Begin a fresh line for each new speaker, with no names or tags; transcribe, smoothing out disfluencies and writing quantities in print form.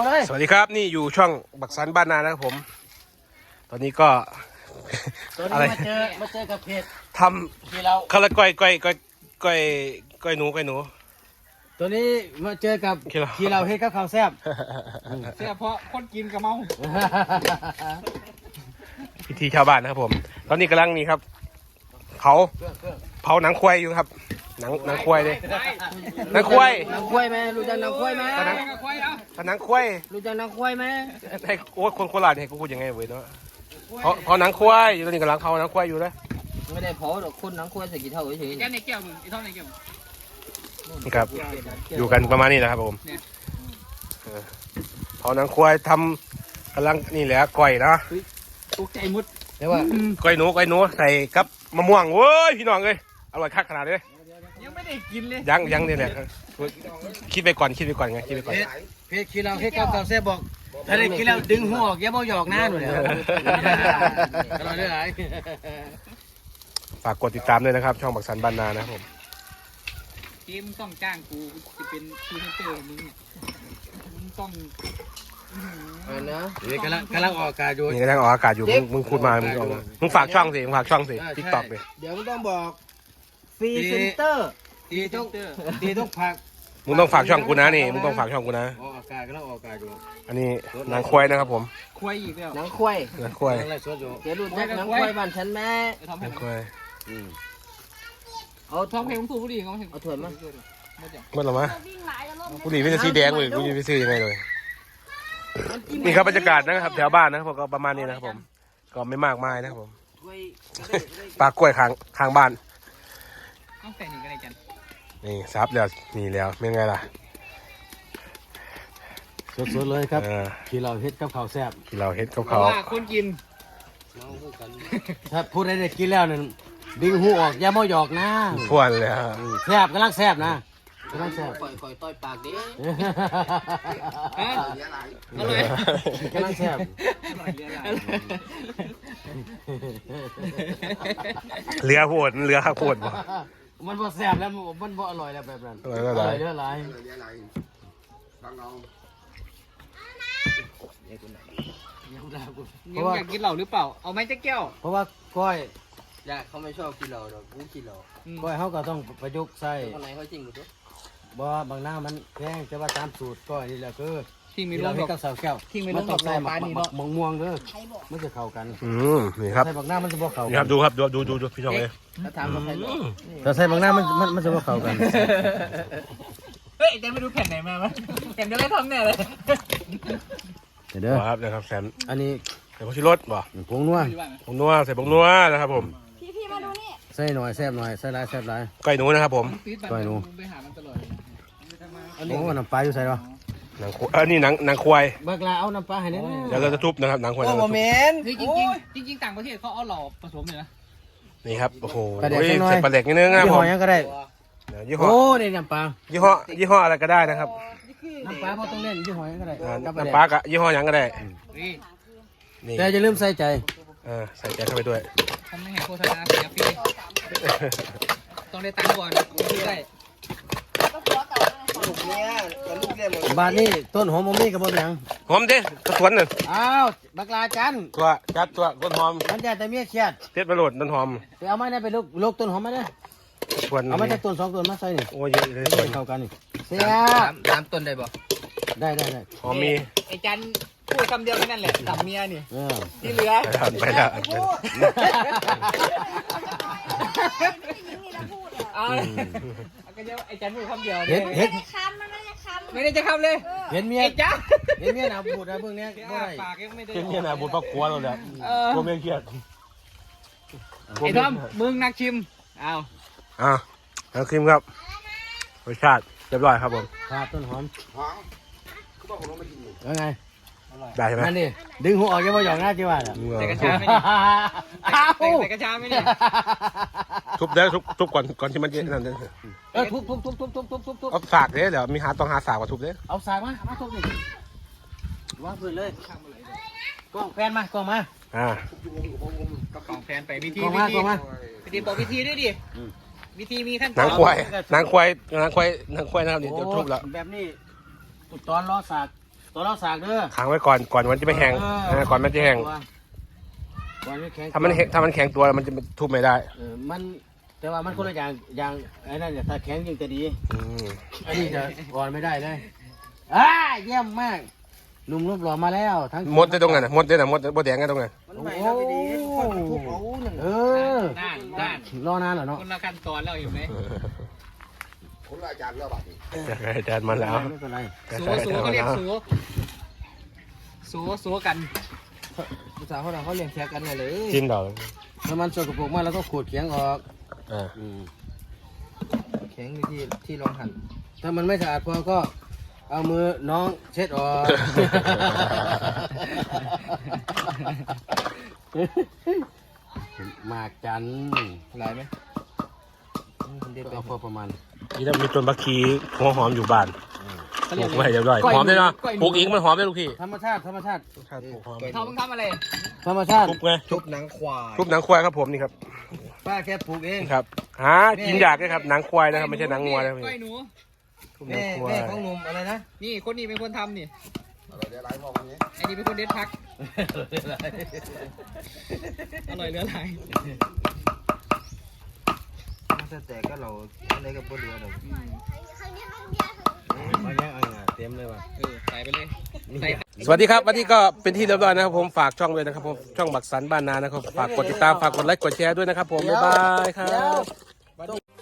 เลยสวัสดีครับนี่อยู่ช่องบักสันบ้านนานะครับผมตอนนี้ก็
อะไรมาเจอกับเพจ
ทำข้าวก้อยหนู
ตัวนี้มาเจอกับที่เราเฮ็ดกับข้าวแซ่บ
แซ่บเพราะคนกินกับเมา
พิธีชาวบ้านนะครับผมตอนนี้กำลังนี่ครับเผาหนังควายอยู่ครับหนังควายเลยหนังควาย
ไหมรู้จักหนังควายไหม
หนังควาย
รู้จักหนังควายไหม
ไอ้โอ๊ตคนโคราชเนี่ยกูพูดยังไงเว้ยเนาะเผาหนังควายอยู่ตอนนี้กำลังเผาหนังควายอยู่เลย
ไม่ได้เผาหรอกคนหนังควายใส่กี่เท่าเฉย
ๆแก้ในแก้วมึงไอ้ท่อนในแก้ว
นี่ครับอยู่กันประมาณนี้นะครับผมเผาหนังควายทำกำลังนี่แหละก้อยนะ
ตกใจมุด
เรียกว่าก้อยหนูใส่กับมะม่วงเว้ยพี่น้องเลยอร่อยคักขนาดเลย
ยังไม่ได้กินเลย
ยังเนี่ยแหละคิดไปก่อนไงคิดไปก่อน
เพจที่เราเฮ็ดกับข้าวแซ่บบอกถ้าได้กินแล้วดึงหัวออกอย่าบ่หยอกหน้าหนูเลยอร่อยด้วย
ฝากกดติดตามด้วยนะครับช่องบักสันบ้านนานะครับผม
เกมต้องจ้างกูจะเป็นพรีเซนเตอร์มึงเนี่ยมึงต้อง
นะกำลังออกอากาศอยู่
นี่กำลังออกอากาศอยู่มึงพูดมามึงฝากช่องสิติ๊กต็อกดิ
เดี๋ยวมึงต้องบอกพรีเซนเตอร์ดีต้องฝาก
มึงต้องฝากช่องกูนะนี่มึงต้องฝากช่องกูนะ
ออกอากาศกำลังออกอากาศอยู่
อันนี้หนังควายนะครับผม
ควายอีกแล้ว
หนังควาย
เดี๋ยว
รู้จักหนังควายบ้านฉันแม่
หนังควาย
เอาท้องเพลงพูดดีเขา
เอาถั่วมา
หมดหรอมะผู้ดีไม่ใช่สีแดงเลยผู้ดีไม่ซื้อยังไงเลยนี่ครับบรรยากาศนะครับแถวบ้านนะครับผมก็ประมาณนี้นะครับผมก็ไม่มากมายนะครับผมปลากล้วยข้างบ้าน
ต้องใส่หนึ่งกันเลยจัน
นี่ซับแล้วนี่แล้วเป็นไงล่ะ
สดๆเลยครับที่เราเฮ็ดกับข้าวแซ่บ
ที่เราเฮ็ดกับข้าว
คนกิน
ถ้าพูดได้กินแล้วนั่นดึงหูออกอย่ามาหยอกนะ
พวนเลย
แซ่บกำลังแซ่บนะกำลังแซ่บ
คอยต่อยปากดิ
อร่อยกำลังแซ่บ
เรือโหดบ่
มันบ่แซ่บแล้วมันบ่อร่อยแล้วแบบนั้นอร่อยเยอะหลาย
ยังอยากกินเหล้าหรือเปล่าเอาไหมจะแก้ว
เพราะว่าก้อย
อยากเขาไม่ชอบกินเหล้าหรอกกูกินเหล้า
ก้อยเขาก็ต้องประยุกต์ใส่
คนไหนเขาจริงกูตัว
บ่บางหน้ามันแพงแต่ว่าตามสูตรก้อยนี่แหละคือ
ที่มี
เราให้กับสาวแก้ว
มัน
ต้องใส่ม่วงเด้อมันจะเข้ากัน
นี่ครับ
ใส่บางหน้ามันจะบ่เข้า
นี่ครับดูครับดูพี่น้องเลย
ถ้าใส่บางหน้ามันจะบ่เข้ากัน
เฮ้ยแต่ไม่ดูแผ่นไหนมาแผ่นเดียวได้ทำแน่เลย
เด้อครับนะครับแซม
อันนี้
ใส่ผงชูรสบ่
ผงนัว
ใส่ผงนัวนะครับผม
พี่มาดูนี่
ใส่หน่อยแซ่บหน่อยใส่หลายแซ่บหลาย
ไก่หนูนะครับผม
ไก่หนูโอ้น้ำปลาอยู่ใส่หรอ
นี่หนังควาย
บักลาเอาน้ำปลาให้เนี่ย
เดี๋ยวเราจะทุบนะครับหนังควาย
โอ้โหเมน
จริงต่างประเทศเขาเอาหล่อผสมเลยนะ
นี่ครับโอ้โหใส่ปลาเด็กนิดนึงนะผม
ยี่ห้อยังก็ได้โอ้นี่น้ำปลา
ยี่ห้ออะไรก็ได้นะครับ
น้ำปลาพอต้องเล่นยี่ห้อยังก็ได้
น้ำปลากับยี่ห้อยังก็ได้
แต่จะลืมใส่ใจ
ใส่ใจเข้าไปด้วย
ทำไม่เห็นโฆษณาเสียฟรีต้องได้ตังค์ก่อนได้
บ้านนี้ต้นหอมมีกับบ่แม่ง
หอมดิกระสวนหนึ่ง
อ้าวบักลาจัน
ตัวต้นหอม
มันจะแต่เมียเครียด
เทศประโหลดต้นหอม
ไปเอาไม้ได้ไปลูกต้นหอมมาเด้อเอาไม้จากต้น2ต้นมาใส่นี่
โอ้ยเยอะเลย
เข้ากันนี่เสีย
3ต้นได้บ่
ได้
หอมมี
ไอ้จันพูดคำเดียวแค่นั้นแหละสามเมียนี่ที่เหลือ
ไปแล้ว
ก็จะไอ้จันพูดคำเดียว
เห็ด
ไม่ได้จะคำเลย
เห็นเมีย
จ้า
เห็นเมียหนาบูดนะเบื้องนี้บ่ได้
ปากยังไม่ได้
เห็นเมียหนาบูดปักกัวเลยกลัวเมียเครียด
ไอ้ทอมมึงนักชิมเอา
นักชิมครับรสชาติเรียบร้อยครับผม
ต้นหอมแล้วไง
ได้ใช่ไหม
นั่นดิดึงหัวออกยังไม่หยอกหน้าจีว่าอ่ะ
ใส่กระชาไม่ดิใส่กระชาไม่ดิ
ทุบได้ทุบก่อนที่มันจะนั่นเลย
ทุบ
เอาสากเลยเดี๋ยวมีต้องหาสากมาทุบเลย
เอาสากมาทุบดิวางพื้นเลยกล้องแฟนมากล้องมา
กล้องแฟนไปวิธีบอกวิธีด้วยดิวิธีมีขั้นตอน
นางควายนะครับนี่ทุบแล้ว
แบบนี้ตอนล้อสากตัวเราสากเด้อ
ค้างไว้ก่อนมันจะไม่แห้งก่อนมันจะแห้ง
ก่อนไม่แข็ง
ถ้ามันแข็งตัวมันจะทุบไม่ได้
มันแต่ว่ามันคนละอย่างไอ้นั่นเนี่ยถ้าแข็งยิ่งจะดี
อืม
อันนี้จะก่อนไม่ได้เลยเยี่ยมมากลุงรูปหล่อมาแล้วทั้ง
มดได้ตรงนั้นมดได้น่ะมดแดงได้ตรงนั้น
มันใหม่แล้วดีเออ
ด้าน
รอนานเหรอเนาะ
คนละขั้นตอนแล้วเห็นไหม
อาจารย์มาแล้ว
ไม่เป็นไร
สูเขาเรียกสูกัน
ภาษาเขาเรียกแท็กกันเลย
กินดอก
ถ้ามันสกปรกมากแล้วก็ขูดเขียงออก
อ่า
แข็งที่รองหั่นถ้ามันไม่สะอาดพอก็เอามือน้องเช็ดออก หมากจันหลายไหมเอาพอประมาณ
นี่ต้องมีต้นบักคีหัวหอมอยู่บ้านปลูกไว้เรียบร้อยหอมได้เนาะปลูกอีกมันหอมได้ลูกพี่
ธรรมชาติ
ปลูกหอม
เขามึงทำอะไร
ธรรมชาติ
ทุบไง
ทุบหนังควาย
ทุบหนังควายครับผมนี่ครับ
ป้าแค่ปลูกเอง
ครับหากินยากเลยครับหนังควายนะครับไม่ใช่หนังงัวนะพี่
ก้อยหนู
ทุบหนั
แม่
งควา
แม่
ย
ของหนุ่มอะไรนะ
นี่คนนี้เป็นคนทำนี่ไอ้นี่เป็นคนเด็ดพักอร่อยเหลือหลาย
แต่ก็เราอะไรกับบัวเรือเรามาแย่งเต็มเลยว่ะ
ใส่ไปเลยใส่
สวัสดีครับวันนี้ก็เป็นที่เรียบร้อยนะครับผมฝากช่องเลยนะครับผมช่องบักสันบ้านนานะครับฝากกดติดตามฝากกดไลค์กดแชร์ด้วยนะครับผมบ๊ายบายครับ